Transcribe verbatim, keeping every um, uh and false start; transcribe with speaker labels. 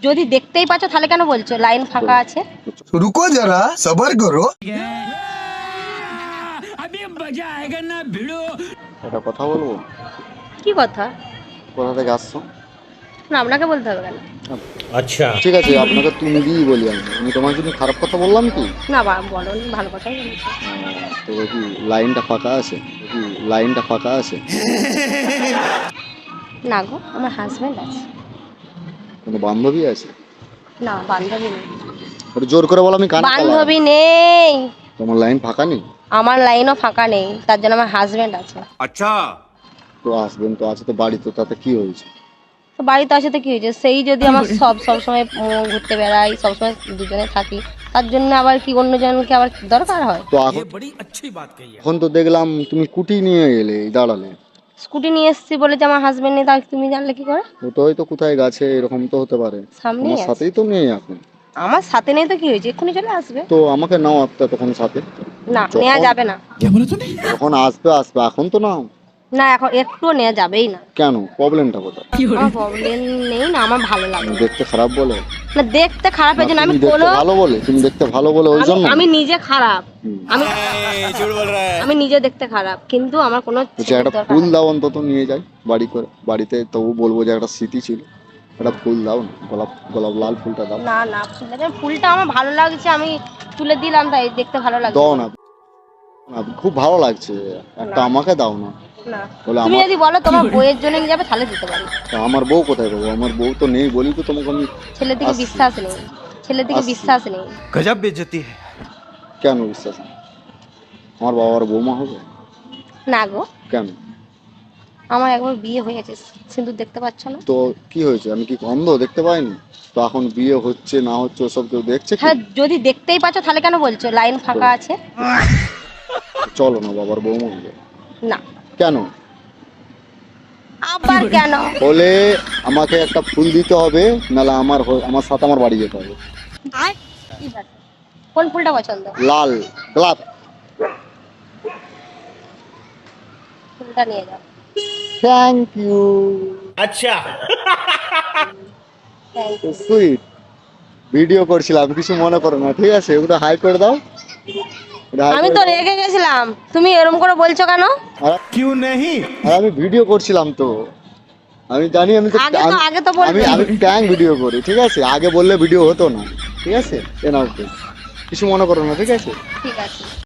Speaker 1: যদি দেখতেই পাচ্ছ তাহলে কেন বলছো লাইন ফাঁকা আছে?
Speaker 2: रुको जरा सबर करो।
Speaker 3: একটা কথা বলবো?
Speaker 1: কি কথা?
Speaker 3: কোথা থেকে আসছো?
Speaker 1: না আপনাকে বলতে হবে কেন?
Speaker 4: अच्छा
Speaker 3: ঠিক আছে, আপনাকে তুমি দিই বলি। আমি আমি তোমার জন্য খারাপ কথা বললাম কি?
Speaker 1: না বা বলো নি, ভালো কথাই বলেছো।
Speaker 3: তো কি লাইনটা ফাঁকা আছে? কি লাইনটা ফাঁকা আছে?
Speaker 1: না গো, আমার হাজবেন্ড আছে।
Speaker 3: কোনো বান্ধবী আছে?
Speaker 1: না বান্ধবী নেই।
Speaker 3: একটু জোর করে বলো, আমি কানে কালা।
Speaker 1: বান্ধবী নেই,
Speaker 3: তোমার লাইন ফাঁকা নেই?
Speaker 1: আমার লাইনও ফাঁকা নেই, তার জন্য আমার হাজবেন্ড আছে।
Speaker 2: अच्छा
Speaker 3: তো আসবেন তো আছে, তো বাড়ি তো, তাতে কি হয়েছে?
Speaker 1: তো বাড়িতে আসে তো কি হয়েছে, সেই যদি আমার সব সবসময় উম, ঘুরতে বেড়াই, সবসময় দুজনে থাকি, তার জন্য আবার কি অন্যজনকে আবার দরকার হয়?
Speaker 3: তো এখন এখন তো দেখলাম তুমি কুটি নিয়ে এলে, এই দাঁড়ালে।
Speaker 1: স্কুটি নিয়ে এসেছি বলে যে আমার হাজবেন্ড নেই, তা তুমি জানলে কি করে?
Speaker 3: ও তো হয়তো কোথায় গেছে, এরকম তো হতে পারে।
Speaker 1: সামনেই
Speaker 3: আমার
Speaker 1: আছে।
Speaker 3: সাথেই তো নেই এখন।
Speaker 1: আমার সাথে নেই তো কি হয়েছে, এক্ষুনি চলে আসবে।
Speaker 3: তো আমাকে নাও একটা তখন সাথে।
Speaker 1: না
Speaker 3: যখন-
Speaker 1: নেওয়া যাবে না।
Speaker 3: যখন আসবে আসবে, এখন তো নাও।
Speaker 1: না এখন একটুও নেওয়া যাবেই না।
Speaker 3: কেন, প্রবলেমটা কোথায়?
Speaker 1: আমার প্রবলেম নেই না, আমার ভালো লাগে
Speaker 3: তুমি
Speaker 1: না।
Speaker 3: দেখতে খারাপ বলে?
Speaker 1: না দেখতে খারাপের জন্য
Speaker 3: না,
Speaker 1: আমি
Speaker 3: তুমি দেখতে
Speaker 1: কোনো
Speaker 3: ভালো বলে? তুমি দেখতে ভালো বলে ওই
Speaker 1: আমি-
Speaker 3: জন্য?
Speaker 1: আমি নিজে খারাপ,
Speaker 3: হুম।
Speaker 1: আমি আমি নিজে দেখতে খারাপ, কিন্তু আমার কোনো
Speaker 3: বলছি
Speaker 1: ছেলের
Speaker 3: একটা
Speaker 1: দরকার
Speaker 3: ফুল
Speaker 1: নেই।
Speaker 3: দাও অন্তত, নিয়ে যাই বাড়ি করে। বাড়িতে তবু বলবো যে একটা স্মৃতি ছিল। একটা ফুল দাও না, গোলাপ গোলাপ লাল ফুলটা দাও।
Speaker 1: না না ফুলটা ফুলটা আমার ভালো লাগছে, আমি তুলে দিলাম, তাই দেখতে ভালো লাগছে।
Speaker 3: দাও না, না, খুব ভালো লাগছে, একটা
Speaker 1: না।
Speaker 3: আমাকে দাও না।
Speaker 1: না
Speaker 3: বলে
Speaker 1: তুমি
Speaker 3: আমার-
Speaker 1: যদি বলো তোমার বইয়ের জন্য নিয়ে যাবে তাহলে দিতে পারি।
Speaker 3: তা আমার বউ কোথায় পাবো? আমার বউ তো নেই বলি তো তোমাকে আমি।
Speaker 1: ছেলের দিকে
Speaker 3: আসছি।
Speaker 1: বিশ্বাস নেই, ছেলের দিকে
Speaker 3: আসছি।
Speaker 1: বিশ্বাস নেই।
Speaker 4: गजब बेइज्जती है।
Speaker 3: কেন বিশ্বাস নেই? আমার বাবার বৌমা হবে?
Speaker 1: না গো,
Speaker 3: কেন?
Speaker 1: আমার একবার বিয়ে হয়ে গেছে, সিঁদুর দেখতে পাচ্ছ না?
Speaker 3: তো কি হয়েছে, আমি কি অন্ধ, দেখতে পাইনি? তো এখন বিয়ে হচ্ছে না হচ্ছে ওসব কেউ দেখছে কি?
Speaker 1: তাহলে যদি দেখতেই পাচ্ছ তাহলে কেন বলছো লাইন ফাঁকা আছে?
Speaker 3: চলো না বাবার বৌমা হবে।
Speaker 1: না
Speaker 3: কেন?
Speaker 1: আবার কেন?
Speaker 3: বলে আমাকে একটা ফুল দিতে হবে, নাহলে আমার হ- আমার সাথে আমার বাড়ি যেতে হবে।
Speaker 1: ঠিক আছে। কোন ফুলটা পছন্দ?
Speaker 3: লাল গোলাপ।
Speaker 1: ফুলটা নিয়ে যাও।
Speaker 3: Thank you.
Speaker 4: अच्छा
Speaker 1: Thank you.
Speaker 3: সুইট। ভিডিও করছিলাম, কিছু মনে করো না, ঠিক আছে? ওটা হাই করে দাও। ওটা hi
Speaker 1: আমি
Speaker 3: করে
Speaker 1: তো
Speaker 3: দাও।
Speaker 1: রেগে গেছিলাম, তুমি এরকম করে বলছো কেন?
Speaker 3: আর-
Speaker 4: क्यों नहीं?
Speaker 3: আর আমি ভিডিও করছিলাম তো, আমি জানি। আমি তো
Speaker 1: আগে তো
Speaker 3: আমি-
Speaker 1: আগে তো বলবে।
Speaker 3: আমি আমি ট্যাং ভিডিও করি, ঠিক আছে? আগে বললে ভিডিও হতো না, ঠিক আছে? এ নাও তো। কিছু মনে করো না, ঠিক আছে?
Speaker 1: ঠিক আছে।